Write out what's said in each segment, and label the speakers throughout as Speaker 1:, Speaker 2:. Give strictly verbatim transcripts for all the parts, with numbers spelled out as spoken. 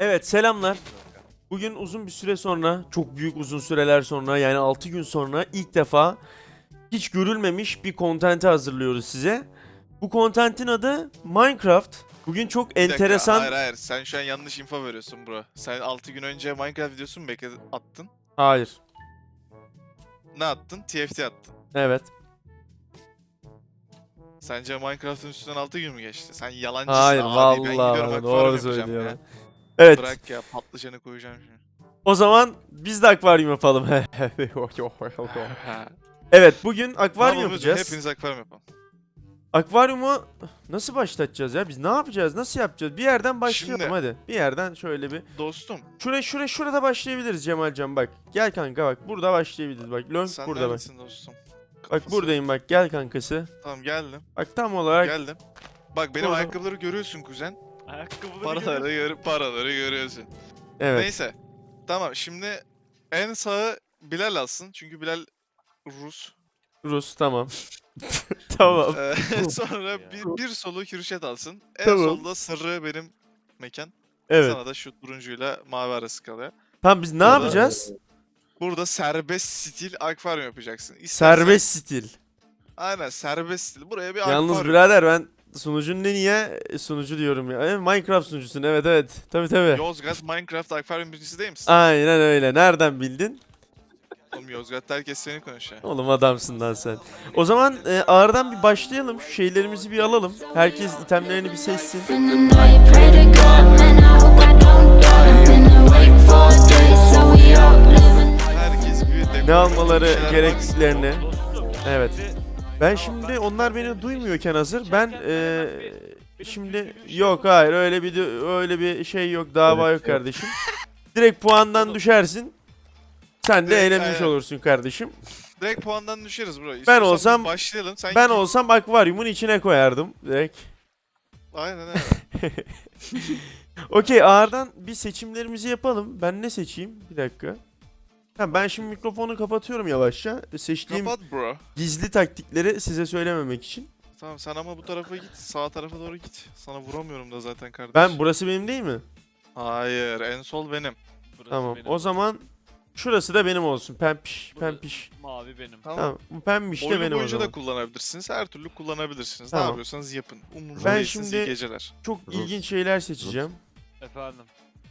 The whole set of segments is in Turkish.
Speaker 1: Evet, selamlar. Bugün uzun bir süre sonra, çok büyük uzun süreler sonra, yani altı gün sonra ilk defa hiç görülmemiş bir kontenti hazırlıyoruz size. Bu kontentin adı Minecraft. Bugün çok
Speaker 2: Bir dakika,
Speaker 1: enteresan...
Speaker 2: hayır hayır. Sen şu an yanlış info veriyorsun bro. Sen altı gün önce Minecraft videosu mu bekledin, attın?
Speaker 1: Hayır.
Speaker 2: Ne attın? T F T attın.
Speaker 1: Evet.
Speaker 2: Sence Minecraft'ın üstünden altı gün mü geçti? Sen yalancısın
Speaker 1: Hayır,
Speaker 2: abi. Ben
Speaker 1: vallahi
Speaker 2: gidiyorum
Speaker 1: bana
Speaker 2: akvaryum
Speaker 1: doğru
Speaker 2: yapacağım
Speaker 1: söylüyor.
Speaker 2: ya.
Speaker 1: Evet.
Speaker 2: Bırak ya, patlıcanı koyacağım şimdi.
Speaker 1: O zaman biz de akvaryum yapalım.
Speaker 2: Ha.
Speaker 1: Evet, bugün akvaryum
Speaker 2: Tamam,
Speaker 1: yapacağız.
Speaker 2: hepiniz akvaryum yapalım.
Speaker 1: Akvaryumu nasıl başlatacağız ya? Biz ne yapacağız? Nasıl yapacağız? Bir yerden başlayalım
Speaker 2: Şimdi-
Speaker 1: hadi. Bir yerden şöyle bir.
Speaker 2: Dostum,
Speaker 1: Şuraya şuraya şurada başlayabiliriz Cemalcan bak. Gel kanka bak. Burada başlayabiliriz bak. Lönk
Speaker 2: sen
Speaker 1: burada bak.
Speaker 2: neredesin dostum?
Speaker 1: Bak
Speaker 2: Kafası.
Speaker 1: buradayım bak. Gel kankası.
Speaker 2: Tamam, geldim.
Speaker 1: Bak tam olarak
Speaker 2: Geldim. Bak benim
Speaker 1: Burada.
Speaker 2: ayakkabıları görüyorsun kuzen.
Speaker 3: Ayakkabıları
Speaker 2: Paraları,
Speaker 3: görüyorsun.
Speaker 2: gör paraları görüyorsun.
Speaker 1: evet.
Speaker 2: Neyse. Tamam, şimdi en sağı Bilal alsın. Çünkü Bilal Rus.
Speaker 1: Rus tamam. Tamam.
Speaker 2: Ee, sonra
Speaker 3: Ya.
Speaker 2: bir, bir solu Kürşet alsın. En
Speaker 1: Tamam.
Speaker 2: solda sarı benim mekan.
Speaker 1: Evet.
Speaker 2: Sana da şu turuncuyla mavi arası kalıyor.
Speaker 1: Tamam biz ne
Speaker 2: Burada-
Speaker 1: yapacağız?
Speaker 2: Burada serbest stil akvaryum yapacaksın. İstersen-
Speaker 1: Serbest stil.
Speaker 2: Aynen, serbest stil. Buraya bir
Speaker 1: Yalnız
Speaker 2: akvaryum.
Speaker 1: birader ben sunucun ne niye sunucu diyorum ya. E, Minecraft sunucusun evet evet. Tabi tabi.
Speaker 2: Yozgat Minecraft akvaryum birincisi değil misin?
Speaker 1: Aynen öyle. Nereden bildin?
Speaker 2: Oğlum Yozgat'ta herkes seni konuşuyor.
Speaker 1: Oğlum adamsın lan sen. O zaman e, ağırdan bir başlayalım. Şu şeylerimizi bir alalım. Herkes itemlerini bir seçsin.
Speaker 4: In the night, pray to God, man, I hope I don't die. I've been awake for days, so we all living.
Speaker 2: Herkes bir dekor,
Speaker 1: Ne almaları
Speaker 2: bir şeyler
Speaker 1: gerektiklerini.
Speaker 3: Dostum,
Speaker 1: Evet.
Speaker 3: şimdi
Speaker 1: Ben şimdi onlar beni duymuyorken hazır. Ben eee şimdi yok hayır öyle bir öyle bir şey yok, dava yok kardeşim. Direkt puandan düşersin. Sen de
Speaker 2: Direkt,
Speaker 1: eğlenmiş
Speaker 2: aynen.
Speaker 1: olursun kardeşim.
Speaker 2: baksın. Direkt puandan düşeriz bro. İstiyorsan biz
Speaker 1: olsam-
Speaker 2: başlayalım. Sen
Speaker 1: Ben
Speaker 2: git.
Speaker 1: olsam akvaryumun içine koyardım direkt.
Speaker 2: Aynen öyle.
Speaker 1: Okey ağırdan bir seçimlerimizi yapalım. Ben ne seçeyim? Bir dakika. Ha, ben şimdi mikrofonu kapatıyorum yavaşça. Seçtiğim
Speaker 2: Kapat bro.
Speaker 1: gizli taktikleri size söylememek için.
Speaker 2: Tamam, sen ama bu tarafa git. Sağ tarafa doğru git. Sana vuramıyorum da zaten kardeş.
Speaker 1: Ben burası benim değil mi?
Speaker 2: Hayır, en sol benim.
Speaker 3: burası
Speaker 1: Tamam.
Speaker 3: benim.
Speaker 1: O zaman şurası da benim olsun. Pempiş,
Speaker 3: Burası
Speaker 1: pempiş.
Speaker 3: Mavi benim.
Speaker 2: Tamam.
Speaker 1: Tamam. Bu pembiş de
Speaker 2: Oyun
Speaker 1: benim o
Speaker 2: boyunca
Speaker 1: zaman.
Speaker 2: da kullanabilirsiniz. Her türlü kullanabilirsiniz.
Speaker 1: Tamam.
Speaker 2: Ne yapıyorsanız yapın. Umurumda
Speaker 1: Ben
Speaker 2: değilsiniz.
Speaker 1: şimdi-
Speaker 2: iyi geceler.
Speaker 1: Çok ilginç şeyler seçeceğim.
Speaker 3: Efendim.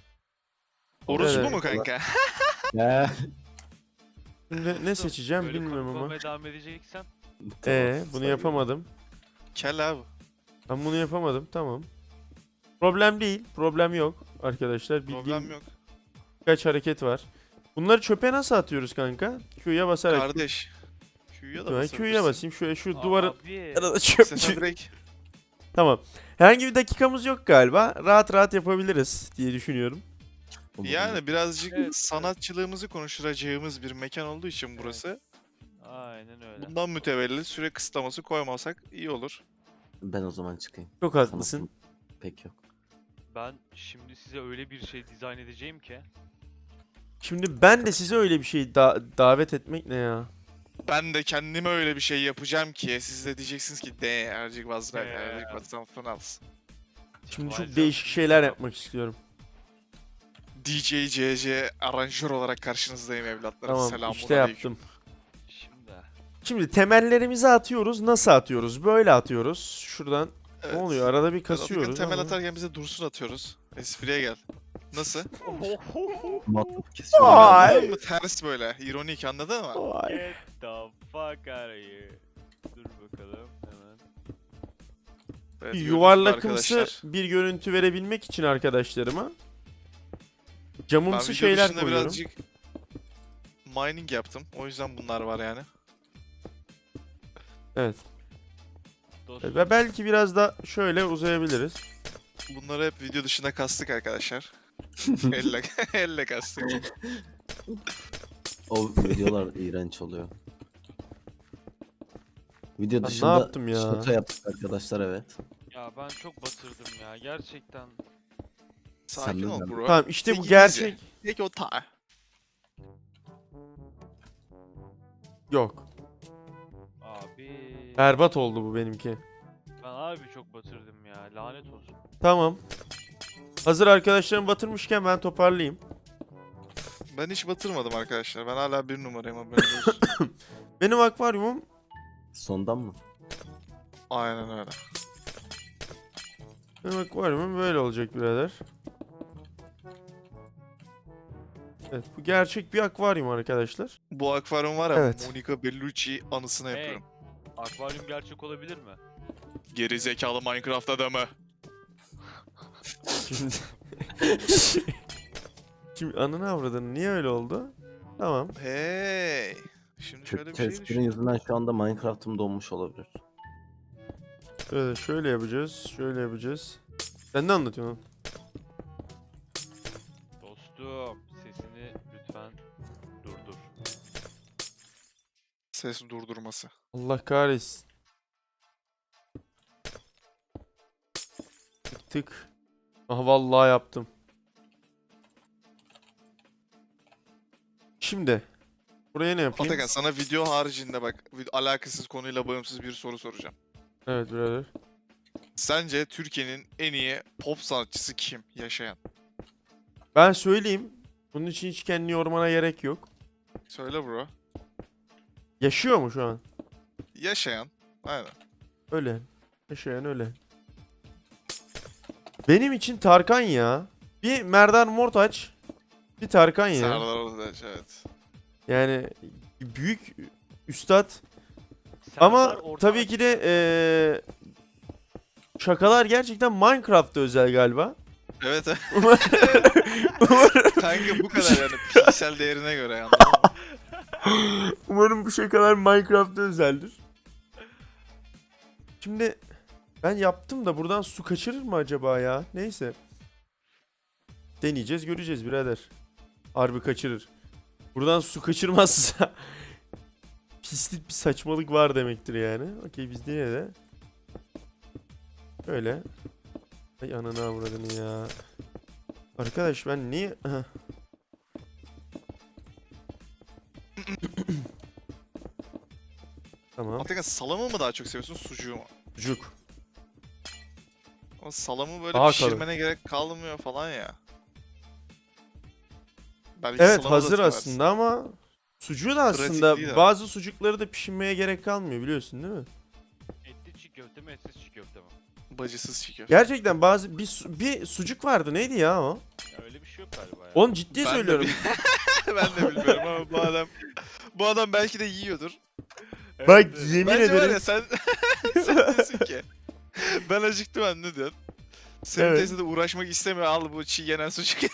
Speaker 2: Orospu
Speaker 1: Evet.
Speaker 2: mu kanka?
Speaker 5: Ya.
Speaker 1: Şimdi ne seçeceğim
Speaker 3: Böyle
Speaker 1: bilmiyorum ama.
Speaker 3: konuşmaya devam edeceksen.
Speaker 1: Ee, bunu yapamadım.
Speaker 2: Kel abi.
Speaker 1: Ben bunu yapamadım. Tamam. Problem değil. Problem yok arkadaşlar. Bildiğim
Speaker 2: Problem yok.
Speaker 1: birkaç hareket var. Bunları çöpe nasıl atıyoruz kanka? Q'ya basarak.
Speaker 2: Kardeş. Q'ya da
Speaker 1: Q'ya
Speaker 2: basabilirsin.
Speaker 1: basayım. Şöyle şu duvarın
Speaker 3: Abi.
Speaker 1: arada çöp.
Speaker 2: İstersen direkt.
Speaker 1: Tamam. Herhangi bir dakikamız yok galiba. Rahat rahat yapabiliriz diye düşünüyorum.
Speaker 2: Yani birazcık
Speaker 3: Evet.
Speaker 2: sanatçılığımızı konuşturacağımız bir mekan olduğu için burası.
Speaker 3: Aynen öyle.
Speaker 2: Bundan mütevellit süre kısıtlaması koymasak iyi olur.
Speaker 5: Ben o zaman çıkayım.
Speaker 1: Çok haklısın.
Speaker 5: Sanatım pek yok.
Speaker 3: Ben şimdi size öyle bir şey dizayn edeceğim ki.
Speaker 1: Şimdi ben de size öyle bir şey da- davet etmek ne ya?
Speaker 2: Ben de kendime öyle bir şey yapacağım ki siz de diyeceksiniz ki de Ercik Vazra,
Speaker 3: Ee.
Speaker 2: Ercik Vazra Finals.
Speaker 1: Şimdi çok
Speaker 3: Cemalcan,
Speaker 1: değişik şeyler yapmak istiyorum.
Speaker 2: D J C C aranjör olarak karşınızdayım evlatlarım.
Speaker 1: Tamam
Speaker 2: Selamun
Speaker 1: işte
Speaker 2: aleyküm.
Speaker 1: yaptım.
Speaker 3: Şimdi.
Speaker 1: Şimdi temellerimizi atıyoruz. Nasıl atıyoruz? Böyle atıyoruz. Şuradan
Speaker 2: Evet.
Speaker 1: ne oluyor? Arada bir
Speaker 2: Atakan
Speaker 1: kasıyoruz
Speaker 2: temel
Speaker 1: ama.
Speaker 2: atarken bize dursun atıyoruz. Espriye gel. Nasıl?
Speaker 5: Matlık kesiyorum.
Speaker 1: Ay.
Speaker 2: Anladın mı? Ters böyle. İronik, anladın mı?
Speaker 1: Vay.
Speaker 3: Get the fuck out of here. Dur bakalım hemen.
Speaker 2: Evet, gördüğünüz gibi
Speaker 1: Yuvarlakımsı
Speaker 2: arkadaşlar.
Speaker 1: bir görüntü verebilmek için arkadaşlarıma
Speaker 2: Ben
Speaker 1: camımsı
Speaker 2: video
Speaker 1: şeyler
Speaker 2: dışında
Speaker 1: koyuyorum.
Speaker 2: birazcık mining yaptım. O yüzden bunlar var yani.
Speaker 1: Evet.
Speaker 3: Dostum,
Speaker 1: Ve belki biraz da şöyle uzayabiliriz.
Speaker 2: Bunları hep video dışında kastık arkadaşlar. elle, elle kastık.
Speaker 5: O videolar iğrenç oluyor. Video
Speaker 1: ne
Speaker 5: dışında
Speaker 1: yaptım ya?
Speaker 5: şaka yaptık arkadaşlar, evet.
Speaker 3: ya ben çok batırdım ya gerçekten.
Speaker 2: Sakin
Speaker 5: Sen
Speaker 2: ol
Speaker 5: de-
Speaker 2: bro.
Speaker 1: Tamam işte bu
Speaker 2: Tek
Speaker 1: gerçek.
Speaker 2: Peki o ta.
Speaker 1: Yok.
Speaker 3: Abi.
Speaker 1: Berbat oldu bu benimki.
Speaker 3: Ben abi çok batırdım ya lanet olsun.
Speaker 1: Tamam. Hazır arkadaşlarım batırmışken ben toparlayayım.
Speaker 2: Ben hiç batırmadım arkadaşlar. Ben hala bir numarayım haberiniz olsun.
Speaker 1: Benim akvaryumum
Speaker 5: Sondan mı?
Speaker 2: Aynen öyle.
Speaker 1: benim akvaryumum böyle olacak birader. Evet, bu gerçek bir akvaryum arkadaşlar.
Speaker 2: Bu akvaryum var ya,
Speaker 1: Evet.
Speaker 2: Monica Bellucci anısına
Speaker 3: Hey.
Speaker 2: yapıyorum.
Speaker 3: Akvaryum gerçek olabilir mi?
Speaker 2: Geri zekalı Minecraft adamı.
Speaker 1: Şimdi... Şimdi ananı avradını niye öyle oldu? Tamam.
Speaker 2: Hey. Şimdi şöyle
Speaker 5: Kötü
Speaker 2: bir şey
Speaker 5: testlerin
Speaker 2: düşün.
Speaker 5: yüzünden şu anda Minecraft'ım donmuş olabilir.
Speaker 1: Şöyle, şöyle yapacağız. Şöyle yapacağız. Sen ne anlatıyorsun?
Speaker 3: Dostum sesini lütfen durdur.
Speaker 2: Ses durdurması.
Speaker 1: Allah kahretsin. Tık tık. Aha vallahi yaptım. Şimdi buraya ne yapayım?
Speaker 2: Atakan sana video haricinde bak vid- alakasız konuyla bağımsız bir soru soracağım.
Speaker 1: Evet birader.
Speaker 2: Sence Türkiye'nin en iyi pop sanatçısı kim yaşayan?
Speaker 1: Ben söyleyeyim. Bunun için hiç kendini yormana gerek yok.
Speaker 2: Söyle bro.
Speaker 1: Yaşıyor mu şu an?
Speaker 2: Yaşayan. Aynen.
Speaker 1: Öyle. Yaşayan öyle. Benim için Tarkan ya. Bir Merdan Mortaç. Bir Tarkan ya.
Speaker 2: Serdar Ortaç, evet.
Speaker 1: Yani büyük üstad.
Speaker 3: Serdar
Speaker 1: Ama
Speaker 3: Ortaç-
Speaker 1: tabii ki de eee, şakalar gerçekten Minecraft'ta özel galiba.
Speaker 2: Evet. evet.
Speaker 1: Umarım,
Speaker 2: Kanka bu kadar yani piksel değerine göre yani. Anladın mı?
Speaker 1: umarım bu şakalar Minecraft'ta özeldir. Şimdi ben yaptım da buradan su kaçırır mı acaba ya? Neyse. Deneyeceğiz, göreceğiz birader. Harbi kaçırır. Buradan su kaçırmazsa pislik bir saçmalık var demektir yani. Okey biz yine de öyle. Ay ananı avradını ya. Arkadaş ben niye... Heh. Tamam.
Speaker 2: Atakan salamı mı daha çok seviyorsun sucuğu mu?
Speaker 1: Sucuk.
Speaker 2: Ama salamı böyle
Speaker 1: Daha
Speaker 2: pişirmene gerek kalmıyor falan ya. Belki
Speaker 1: Evet
Speaker 2: salamı da
Speaker 1: hazır
Speaker 2: seversin.
Speaker 1: aslında ama sucuğu da
Speaker 2: Pratik
Speaker 1: aslında
Speaker 2: değil ama.
Speaker 1: bazı sucukları da pişirmeye gerek kalmıyor biliyorsun değil mi?
Speaker 3: Etli çiğ köfte mi etsiz çiğ köfte mi?
Speaker 2: Bacısız çiğ köfte.
Speaker 1: Gerçekten bazı bir, su- bir sucuk vardı neydi ya o?
Speaker 3: Ya öyle bir şey yok galiba ya.
Speaker 1: Oğlum ciddi
Speaker 2: Ben de
Speaker 1: söylüyorum.
Speaker 2: bil- ben de bilmiyorum ama bu adam bu adam belki de yiyordur.
Speaker 3: Evet,
Speaker 1: Bak
Speaker 3: evet.
Speaker 1: yemin
Speaker 2: Bence var
Speaker 1: ederim.
Speaker 2: ya sen sen diyorsun ki ben acıktım anne diyorsun. Senin
Speaker 1: Evet.
Speaker 2: teyze de uğraşmak istemiyor al bu çiğ yenen sucuk.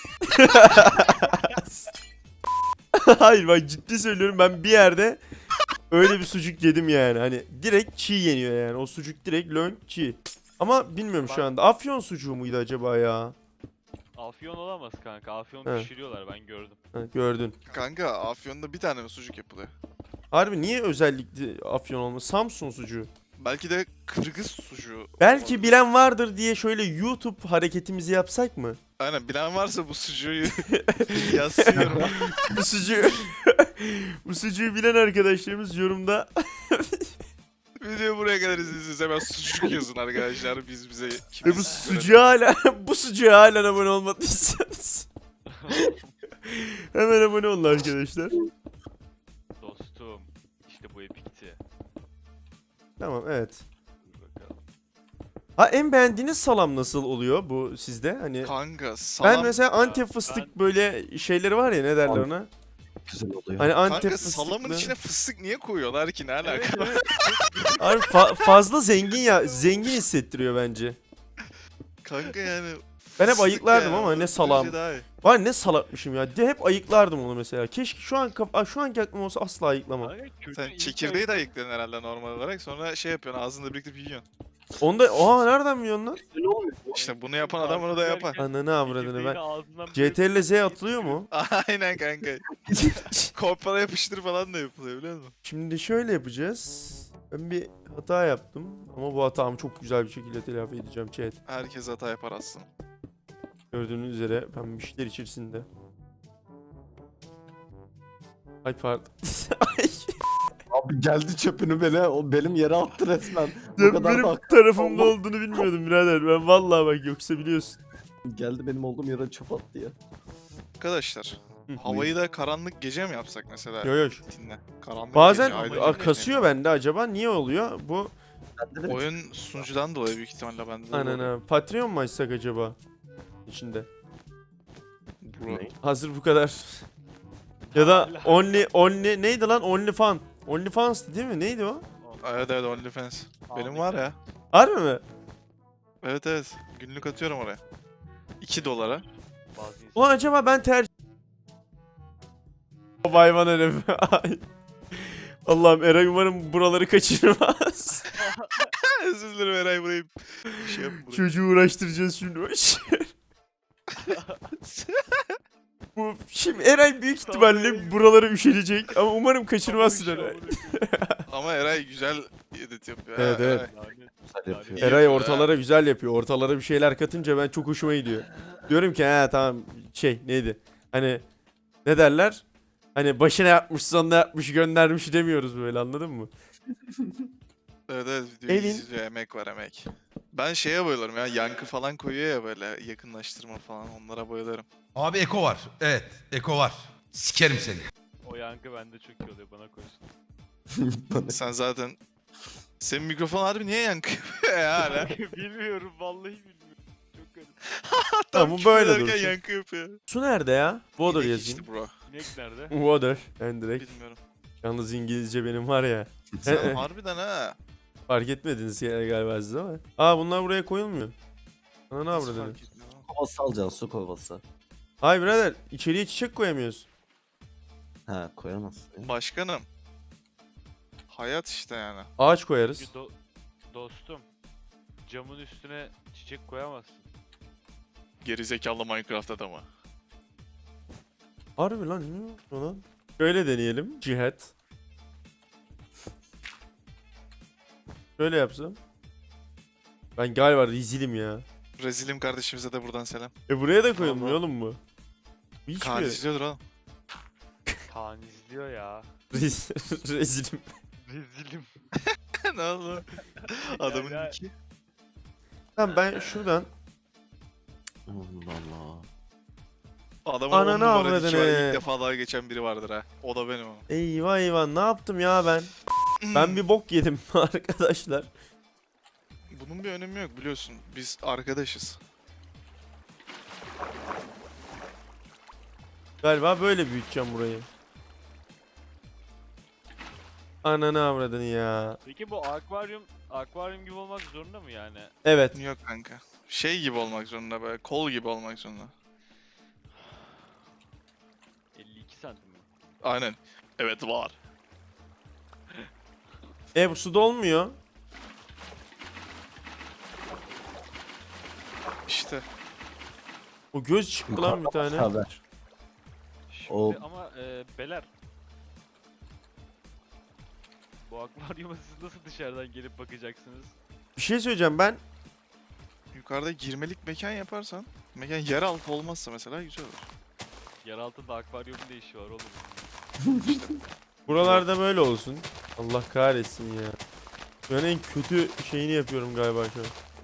Speaker 1: Hayır bak ciddi söylüyorum ben bir yerde öyle bir sucuk yedim yani. Hani direkt çiğ yeniyor yani. O sucuk direkt lönk çiğ. Ama bilmiyorum şu anda. Afyon sucuğu muydu acaba ya?
Speaker 3: Afyon olamaz kanka. Afyon
Speaker 1: Evet.
Speaker 3: pişiriyorlar ben gördüm.
Speaker 1: Ha, gördün.
Speaker 2: Kanka Afyon'da bir tane mi sucuk yapılıyor?
Speaker 1: Harbi niye özellikle Afyon olmuş? Samsun sucuğu.
Speaker 2: Belki de Kırgız sucuğu.
Speaker 1: Belki
Speaker 2: olabilir.
Speaker 1: bilen vardır diye şöyle YouTube hareketimizi yapsak mı?
Speaker 2: Aynen bilen varsa bu sucuğu yazsın.
Speaker 1: Bu sucuğu bu sucuğu bilen arkadaşlarımız yorumda
Speaker 2: Video buraya kadar izlediyseniz hemen sucuk yazın arkadaşlar biz bize
Speaker 1: ve
Speaker 2: kimiz
Speaker 1: bu
Speaker 2: görelim.
Speaker 1: sucuğa hala bu sucuğa hala abone olmadıysanız hemen abone olun arkadaşlar.
Speaker 3: Dostum işte bu epikti.
Speaker 1: Tamam evet.
Speaker 3: Dur bakalım.
Speaker 1: Ha en beğendiğiniz salam nasıl oluyor bu sizde? Hani
Speaker 2: Kanka salam.
Speaker 1: ben mesela Antep fıstık böyle şeyleri var ya ne derler
Speaker 5: Abi,
Speaker 1: ona?
Speaker 5: Güzel oluyor.
Speaker 1: Hani Antep
Speaker 2: Kanka
Speaker 1: fıstıklı.
Speaker 2: salamın içine fıstık niye koyuyorlar ki ne alaka?
Speaker 3: Evet, evet.
Speaker 1: Abi fa- fazla zengin ya zengin hissettiriyor bence.
Speaker 2: Kanka yani
Speaker 1: Ben hep
Speaker 2: fıstık
Speaker 1: ayıklardım
Speaker 2: yani,
Speaker 1: ama
Speaker 2: o
Speaker 1: ne salam.
Speaker 2: derece daha iyi.
Speaker 1: Var ne salakmışım ya. De hep ayıklardım onu mesela. Keşke şu an kaf- Aa, şu anki aklım olsa asla ayıklamam.
Speaker 3: Kanka, kötü
Speaker 2: Sen
Speaker 3: ilk
Speaker 2: çekirdeği de
Speaker 3: ay-
Speaker 2: ayıklıyorsun herhalde normal olarak sonra şey yapıyorsun ağzında birlikte yiyorsun.
Speaker 1: Onda oha nereden biliyorsun lan?
Speaker 2: İşte bunu yapan adam onu da yapar.
Speaker 1: Ananı avradını
Speaker 3: çekirdeğini
Speaker 1: ben.
Speaker 3: ağzından
Speaker 1: C T R L Z atılıyor mu?
Speaker 2: Aynen kanka. Kopyala yapıştır falan da yapılıyor biliyor musun?
Speaker 1: Şimdi şöyle yapacağız. Ben bir hata yaptım ama bu hatamı çok güzel bir şekilde telafi edeceğim chat.
Speaker 2: Herkes hata yapar aslında.
Speaker 1: Gördüğünüz üzere pembişler içerisinde. Ay pardon. Ay.
Speaker 5: Abi geldi çöpünü beni, o benim yere attı resmen. Bu
Speaker 1: Ya
Speaker 5: kadar
Speaker 1: benim
Speaker 5: da
Speaker 1: tarafımda olduğunu bilmiyordum birader. Ben vallahi bak yoksa biliyorsun.
Speaker 5: Geldi benim olduğum yere çöp attı ya.
Speaker 2: Arkadaşlar
Speaker 1: Hı.
Speaker 2: havayı da karanlık gece mi yapsak mesela?
Speaker 1: Yo yo.
Speaker 2: Dinle. Karanlık
Speaker 1: Bazen
Speaker 2: gece, aydınlık
Speaker 1: a-
Speaker 2: gece.
Speaker 1: kasıyor bende acaba niye oluyor? Bu
Speaker 5: Bende de
Speaker 2: Oyun sunucudan dolayı büyük ihtimalle bende de oluyor.
Speaker 1: anana Patreon mu açsak acaba? İçinde.
Speaker 2: Bro.
Speaker 5: Ne?
Speaker 1: Hazır bu kadar. Ya da only only neydi lan? Only fan. Only fans'tı değil mi? Neydi o?
Speaker 2: Evet evet OnlyFans. Benim var ya.
Speaker 1: Harbi mi?
Speaker 2: Evet evet. Günlük atıyorum oraya. iki dolara.
Speaker 3: Bazı insan-
Speaker 1: Ulan acaba ben tercih... O hayvan herif. Ay. Allah'ım Eray umarım buraları kaçırmaz.
Speaker 2: Özür dilerim Eray burayı. Bir şey yapma burayı.
Speaker 1: Çocuğu uğraştıracağız şimdi. Boş ver. Bu şimdi Eray büyük ihtimalle buraları üşenecek ama umarım kaçırmazsın
Speaker 3: Tamam,
Speaker 1: Eray.
Speaker 2: Ama Eray güzel edit yapıyor. ha,
Speaker 1: Evet, evet.
Speaker 2: Eray.
Speaker 3: Lanet.
Speaker 5: güzel yapıyor.
Speaker 2: İyi
Speaker 1: Eray
Speaker 2: yapıyor,
Speaker 1: ortalara güzel yapıyor. Ortalara bir şeyler katınca ben çok hoşuma gidiyor. Diyorum ki ha tamam şey neydi? Hani ne derler? Hani başına yapmış sonuna yapmış göndermiş demiyoruz böyle anladın mı?
Speaker 2: Evet evet videoyu
Speaker 1: Evin-
Speaker 2: izliyor, emek var emek. Ben şeye bayılırım ya, yankı falan koyuyor ya böyle yakınlaştırma falan, onlara bayılırım.
Speaker 6: Abi Eko var. Evet, Eko var. Sikerim seni.
Speaker 3: O yankı bende çok iyi oluyor bana koysun.
Speaker 5: Bana-
Speaker 2: Sen zaten... Senin mikrofon harbi niye yankı yapıyor ya hala?
Speaker 3: Bilmiyorum vallahi bilmiyorum. Çok garip.
Speaker 1: Tamam, bu
Speaker 2: küfür
Speaker 1: böyle
Speaker 2: ederken
Speaker 1: dursun.
Speaker 2: yankı yapıyor.
Speaker 1: Su nerede ya? Water
Speaker 2: İnek
Speaker 1: yazayım.
Speaker 2: içti bro.
Speaker 3: İnek nerede?
Speaker 1: Water. Ben direkt.
Speaker 2: Bilmiyorum.
Speaker 1: Yalnız İngilizce benim var ya.
Speaker 2: Sen harbiden ha.
Speaker 1: Fark etmediniz ya galiba siz ama. Aa bunlar buraya koyulmuyor. Ana ne
Speaker 2: Nasıl
Speaker 1: avradını?
Speaker 2: fark etmiyor lan?
Speaker 5: Kovası alacaksın, su kovası.
Speaker 1: Hayır birader içeriye çiçek koyamıyoruz.
Speaker 5: Ha koyamazsın. ya.
Speaker 2: Başkanım. Hayat işte yani.
Speaker 1: Ağaç koyarız.
Speaker 3: Çünkü do- dostum camın üstüne çiçek koyamazsın.
Speaker 2: Gerizekalı Minecraft adamı.
Speaker 1: Harbi lan ne oluyor lan? Şöyle deneyelim. Cihat. Şöyle yapsam. Ben galiba rezilim ya.
Speaker 2: Rezilim kardeşimize de buradan selam.
Speaker 1: E buraya da koyulmuyor
Speaker 2: Vallahi.
Speaker 1: oğlum bu. Bu hiç
Speaker 2: Kaan
Speaker 1: mi?
Speaker 2: izliyordur oğlum.
Speaker 3: Kaan izliyor ya.
Speaker 1: Rez- rezilim.
Speaker 3: Rezilim.
Speaker 2: ne oldu? Adamın
Speaker 3: Ya-
Speaker 2: iki.
Speaker 1: Tamam ben şuradan.
Speaker 5: Allah Allah.
Speaker 2: Adamın
Speaker 1: Ananı
Speaker 2: on numara
Speaker 1: avradını.
Speaker 2: diki var. İlk defa daha geçen biri vardır ha. O da benim o.
Speaker 1: Eyvah eyvah ne yaptım ya ben? Ben bir bok yedim arkadaşlar.
Speaker 2: Bunun bir önemi yok biliyorsun. Biz arkadaşız.
Speaker 1: Galiba böyle büyüteceğim burayı. Ananı avradını ya.
Speaker 3: Peki bu akvaryum akvaryum gibi olmak zorunda mı yani?
Speaker 1: Evet.
Speaker 2: Yok kanka. Şey gibi olmak zorunda böyle. Kol gibi olmak zorunda.
Speaker 3: elli iki santim mi?
Speaker 2: Aynen. Evet var.
Speaker 1: E bu suda olmuyor.
Speaker 2: İşte.
Speaker 1: O göz çıktı lan bir tane.
Speaker 5: Haber.
Speaker 3: Şimdi
Speaker 5: O-
Speaker 3: ama e, beler. Bu akvaryuma siz nasıl dışarıdan gelip bakacaksınız?
Speaker 1: Bir şey söyleyeceğim ben.
Speaker 2: Yukarıda girmelik mekan yaparsan. Mekan yeraltı olmazsa mesela güzel olur.
Speaker 3: Yer altında akvaryumun ne işi var oğlum?
Speaker 1: Buralarda böyle olsun. Allah kahretsin ya. Ben en kötü şeyini yapıyorum galiba şu an.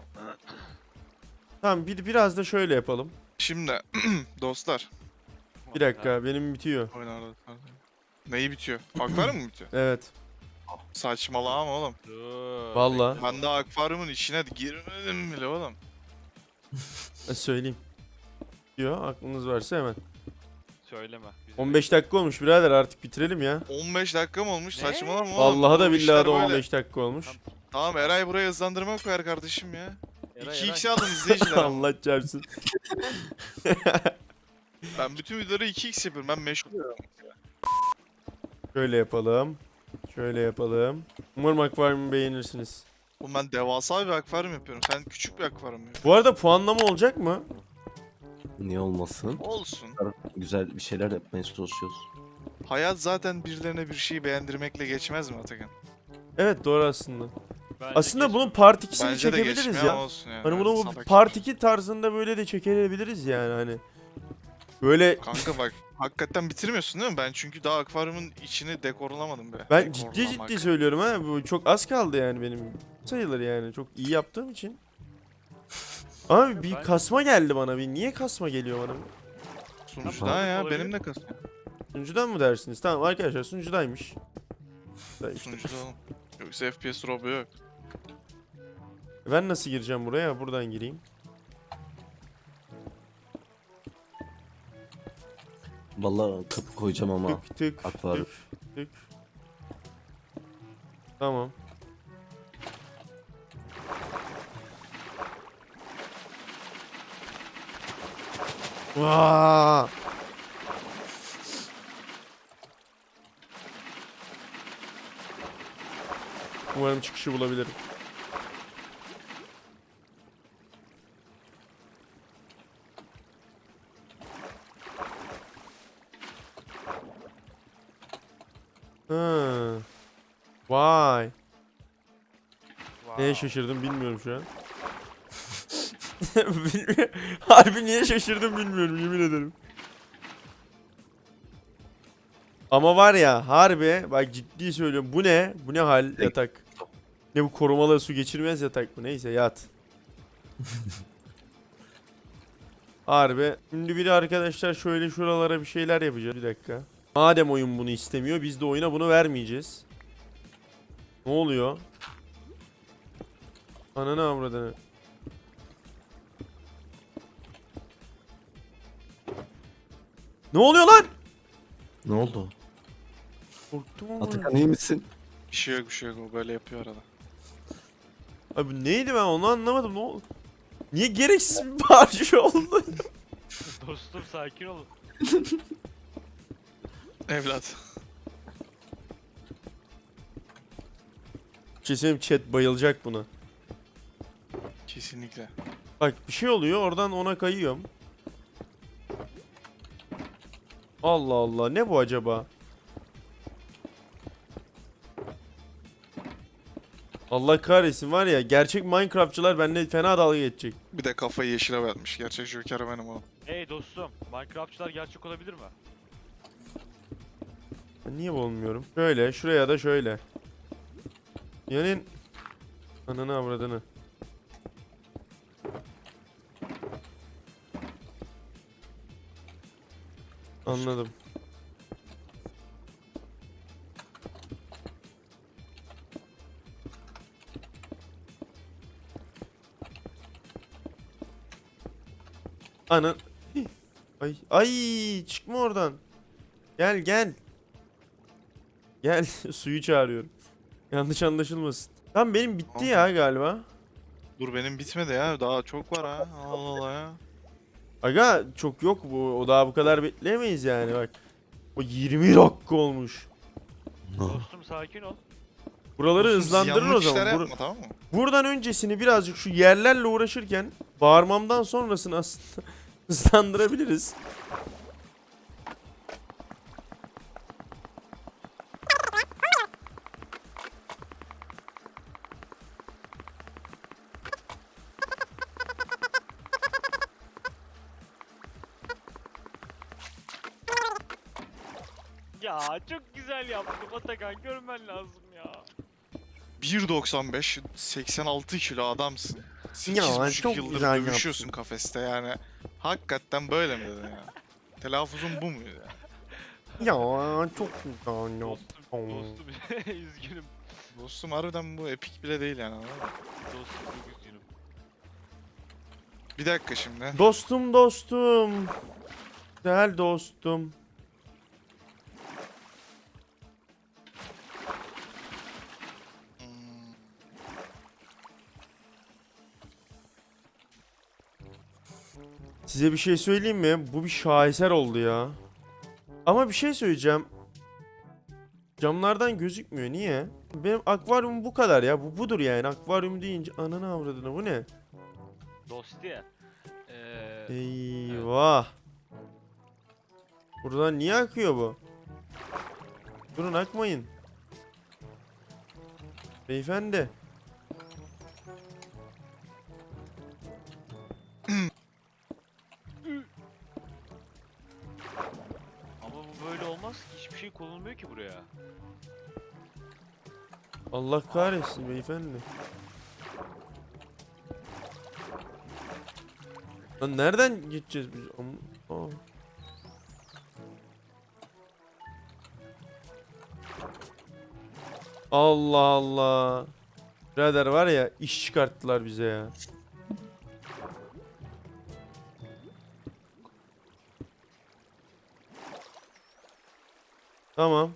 Speaker 1: Tamam bir, biraz da şöyle yapalım.
Speaker 2: Şimdi dostlar.
Speaker 1: Bir dakika benim bitiyor.
Speaker 2: Oynarlar. Neyi bitiyor? Akvaryum mu bitiyor?
Speaker 1: Evet.
Speaker 2: Saçmalama oğlum.
Speaker 3: Dur.
Speaker 1: Vallahi.
Speaker 2: Ben de akvaryumun içine girmedim bile oğlum.
Speaker 1: e, Söyleyeyim. Diyor aklınız varsa hemen.
Speaker 3: Söyleme. Bizim
Speaker 1: on beş dakika olmuş birader artık bitirelim ya.
Speaker 2: on beş dakika mı olmuş?
Speaker 3: Ne?
Speaker 2: Saçmalama oğlum.
Speaker 1: Vallahi da
Speaker 2: Bu
Speaker 1: billahi
Speaker 2: işler
Speaker 1: de
Speaker 2: böyle.
Speaker 1: on beş dakika olmuş.
Speaker 2: Tamam Eray buraya hızlandırma koyar kardeşim ya.
Speaker 3: Eray,
Speaker 2: iki
Speaker 3: Eray.
Speaker 2: x aldım izleyiciler. ama.
Speaker 1: Allah çarpsın.
Speaker 2: Ben bütün videoları iki x yapıyorum. Ben meşgul.
Speaker 1: Şöyle yapalım. Şöyle yapalım. Umarım akvaryumu beğenirsiniz.
Speaker 2: Oğlum ben devasa bir akvaryum yapıyorum. Sen küçük bir akvaryum yapıyorsun.
Speaker 1: Bu arada puanlama olacak mı?
Speaker 5: Niye olmasın?
Speaker 2: Olsun.
Speaker 5: Güzel bir şeyler yapmaya çalışıyoruz.
Speaker 2: Hayat zaten birilerine bir şeyi beğendirmekle geçmez mi Atakan?
Speaker 1: Evet doğru aslında.
Speaker 3: Bence
Speaker 1: Aslında
Speaker 3: geç-
Speaker 1: bunun part ikisini
Speaker 2: Bence de
Speaker 1: çekebiliriz
Speaker 2: geçmiyor
Speaker 1: ya.
Speaker 2: ama olsun yani.
Speaker 1: Hani bunu bu
Speaker 2: Salak
Speaker 1: part
Speaker 2: herif.
Speaker 1: iki tarzında böyle de çekebiliriz yani hani. Böyle
Speaker 2: Kanka bak hakikaten bitirmiyorsun değil mi? Ben çünkü daha akvaryumun içini dekorlamadım be.
Speaker 1: ben ciddi
Speaker 2: Dekorlamak.
Speaker 1: ciddi söylüyorum ha. Bu çok az kaldı yani benim sayılır yani. Çok iyi yaptığım için. Abi bir
Speaker 3: Ben-
Speaker 1: kasma geldi bana. Bir niye kasma geliyor bana?
Speaker 2: Sunucudan ya
Speaker 3: olabilir.
Speaker 2: benim de kasım.
Speaker 1: Sunucudan mı dersiniz? Tamam arkadaşlar sunucudaymış. Da işte.
Speaker 2: Sunucuda oğlum. Yoksa F P S drop'u yok.
Speaker 1: Ben nasıl gireceğim buraya? Buradan gireyim.
Speaker 5: Vallahi kapı koyacağım ama.
Speaker 1: Tık tık
Speaker 5: Akvaryum.
Speaker 1: tık tık. Tamam. Vaa! Umarım çıkışı bulabilirim. Ha. Vay. Neye şaşırdım bilmiyorum şu an. Bilmiyorum. Harbi niye şaşırdım bilmiyorum yemin ederim. Ama var ya harbi bak ciddi söylüyorum bu ne? Bu ne hal yatak? Ne bu korumalı su geçirmez yatak mı? Neyse yat. Harbi. Şimdi bir de arkadaşlar şöyle şuralara bir şeyler yapacağız. Bir dakika. Madem oyun bunu istemiyor biz de oyuna bunu vermeyeceğiz. Ne oluyor? Ananı avradını. Ne oluyor lan?
Speaker 5: Ne oldu?
Speaker 1: Korktum ama.
Speaker 5: Atakan iyi misin?
Speaker 2: Bir şey yok bir şey yok o böyle yapıyor arada.
Speaker 1: Abi neydi ben onu anlamadım. Ne oldu? Niye gereksiz bir parça oldu?
Speaker 3: Dostum sakin olun.
Speaker 2: Evlat.
Speaker 1: Kesin chat bayılacak buna.
Speaker 2: Kesinlikle.
Speaker 1: Bak bir şey oluyor oradan ona kayıyorum. Allah Allah ne bu acaba? Allah kahretsin var ya gerçek Minecraftçılar benimle fena dalga geçecek.
Speaker 2: Bir de kafayı yeşile vermiş. Gerçek Joker benim oğlum.
Speaker 3: Hey dostum, Minecraftçılar gerçek olabilir mi?
Speaker 1: Ben niye olmuyorum? Şöyle şuraya da şöyle. Yani ananı avradını. Anladım. Anan. Hih. Ay ay çıkma oradan. Gel gel. Gel suyu çağırıyorum. Yanlış anlaşılmasın. Tam benim bitti ya galiba.
Speaker 2: Dur benim bitmedi ya. Daha çok var ha. Allah Allah ya.
Speaker 1: Aga çok yok bu. O daha bu kadar bekleyemeyiz yani bak. O yirmi dakika olmuş.
Speaker 3: Dostum sakin ol.
Speaker 1: Buraları
Speaker 2: Dostum,
Speaker 1: hızlandırır o
Speaker 2: ziyanlık
Speaker 1: zaman.
Speaker 2: işler
Speaker 1: Bur-
Speaker 2: yapma, tamam mı?
Speaker 1: Buradan öncesini birazcık şu yerlerle uğraşırken bağırmamdan sonrasını aslında hızlandırabiliriz.
Speaker 3: Ya çok güzel yaptım Atakan, görmen lazım ya.
Speaker 2: bir doksan beş, seksen altı kilo adamsın.
Speaker 1: Ya,
Speaker 2: sekiz buçuk
Speaker 1: çok
Speaker 2: yıldır
Speaker 1: güzel
Speaker 2: dövüşüyorsun kafeste yani. Hakikaten böyle mi dedin ya? Telaffuzun bu muydu ya?
Speaker 1: Ya çok güzel
Speaker 3: Dostum,
Speaker 1: yaptım.
Speaker 3: dostum üzgünüm.
Speaker 2: Dostum harbiden bu epik bile değil yani, anladın mı?
Speaker 3: Dostum çok üzgünüm.
Speaker 2: Bir dakika şimdi.
Speaker 1: Dostum dostum. Güzel dostum.
Speaker 2: Hmm,
Speaker 1: Size bir şey söyleyeyim mi? Bu bir şaheser oldu ya. Ama bir şey söyleyeceğim. Camlardan gözükmüyor. Niye? Benim akvaryum bu kadar ya. Bu budur yani. Akvaryum deyince ananı avradına bu ne?
Speaker 3: Dosti. Eee...
Speaker 1: Eyvah. Buradan niye akıyor bu? Durun akmayın. Beyefendi.
Speaker 3: Ama bu böyle olmaz ki, hiçbir şey konulmuyor ki buraya.
Speaker 1: Allah kahretsin beyefendi. Lan nereden gideceğiz biz? Am- Aa. Allah Allah. Birader var ya, iş çıkarttılar bize ya. Tamam.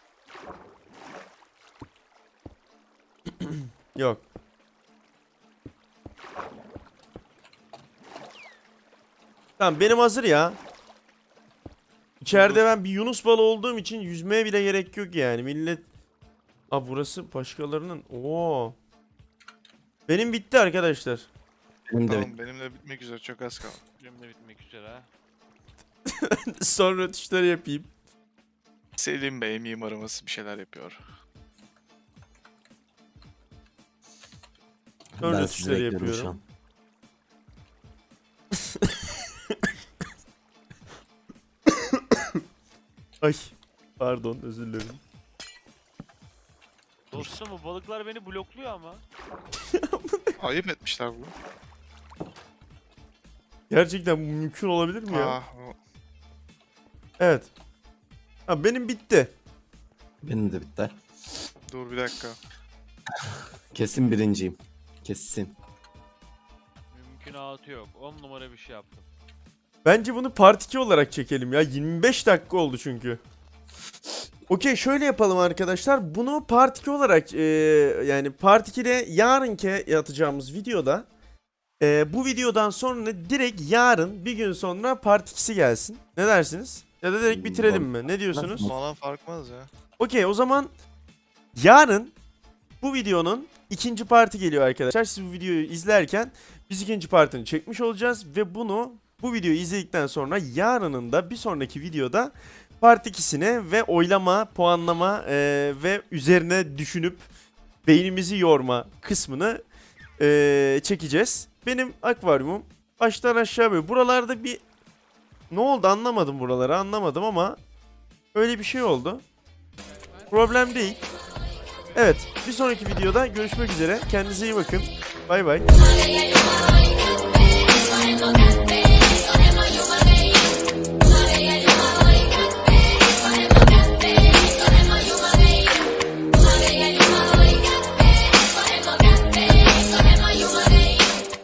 Speaker 1: Yok. Tamam, benim hazır ya. İçeride ben bir Yunus balığı olduğum için yüzmeye bile gerek yok yani. Millet... Aa, burası başkalarının. Oo. Benim bitti arkadaşlar.
Speaker 5: Benim de
Speaker 2: Tamam benimle bitmek üzere çok az kaldı.
Speaker 3: Benim de bitmek üzere ha.
Speaker 1: Sonra tuşları yapayım.
Speaker 2: Selim Bey mimarımız bir şeyler yapıyor.
Speaker 1: Sonra
Speaker 5: ben sizi
Speaker 1: tuşları
Speaker 5: bekliyorum şu
Speaker 1: yapıyorum.
Speaker 5: an.
Speaker 1: Ay. Pardon, özür dilerim.
Speaker 3: Dostum bu balıklar beni blokluyor ama.
Speaker 2: Ayıp etmişler bunu.
Speaker 1: Gerçekten bu mümkün olabilir mi ya?
Speaker 2: Ah, o-
Speaker 1: Evet. Ha, benim bitti.
Speaker 5: Benim de bitti.
Speaker 2: dur bir dakika.
Speaker 5: Kesin birinciyim. Kesin.
Speaker 3: Mümkünatı yok. on numara bir şey yaptım.
Speaker 1: Bence bunu part iki olarak çekelim ya. yirmi beş dakika oldu çünkü. Okey, şöyle yapalım arkadaşlar. Bunu part iki olarak e, yani part ikide yarınki atacağımız videoda e, bu videodan sonra direkt yarın bir gün sonra part ikisi gelsin. Ne dersiniz? Ya da direkt bitirelim mi? Ne diyorsunuz?
Speaker 2: Falan farkmaz ya.
Speaker 1: Okey, o zaman yarın bu videonun ikinci parti geliyor arkadaşlar. Siz bu videoyu izlerken biz ikinci partini çekmiş olacağız ve bunu bu videoyu izledikten sonra yarının da bir sonraki videoda part ikisine ve oylama, puanlama e, ve üzerine düşünüp beynimizi yorma kısmını e, çekeceğiz. Benim akvaryumum baştan aşağı böyle. Buralarda bir ne oldu anlamadım, buraları anlamadım ama öyle bir şey oldu. Problem değil. Evet, bir sonraki videoda görüşmek üzere. Kendinize iyi bakın. Bay bay.